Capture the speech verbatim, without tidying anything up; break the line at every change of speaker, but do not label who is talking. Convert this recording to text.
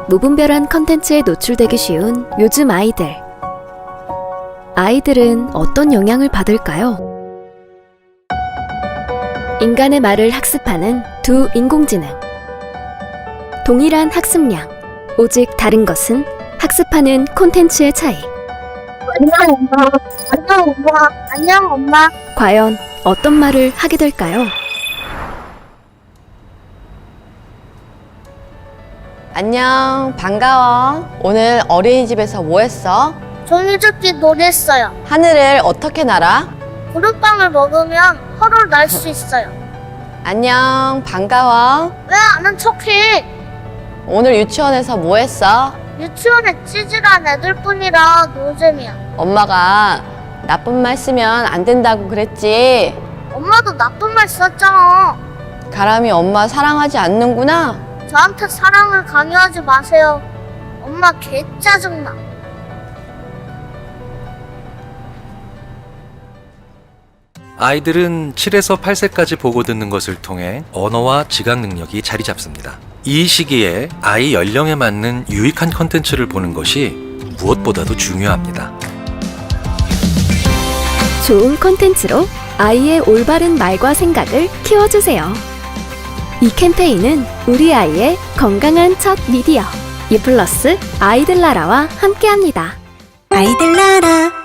무분별한 컨텐츠에 노출되기 쉬운 요즘 아이들. 아이들은 어떤 영향을 받을까요? 인간의 말을 학습하는 두 인공지능. 동일한 학습량, 오직 다른 것은 학습하는 콘텐츠의 차이.
안녕 엄마. 안녕 엄마. 안녕 엄마.
과연 어떤 말을 하게 될까요?
안녕, 반가워. 오늘 어린이집에서 뭐 했어?
종이접기 놀이했어요.
하늘을 어떻게 날아?
구름빵을 먹으면 헐을 날 수 있어요.
안녕, 반가워.
왜 아는 척해?
오늘 유치원에서 뭐 했어?
유치원에 찌질한 애들뿐이라 노잼이야.
엄마가 나쁜 말 쓰면 안 된다고 그랬지?
엄마도 나쁜 말 썼잖아.
가람이 엄마 사랑하지 않는구나?
저한테 사랑을 강요하지 마세요. 엄마 개 짜증나.
아이들은 칠에서 팔 세까지 보고 듣는 것을 통해 언어와 지각 능력이 자리 잡습니다. 이 시기에 아이 연령에 맞는 유익한 컨텐츠를 보는 것이 무엇보다도 중요합니다.
좋은 콘텐츠로 아이의 올바른 말과 생각을 키워주세요. 이 캠페인은 우리 아이의 건강한 첫 미디어 유플러스 아이들 나라와 함께합니다.
아이들 나라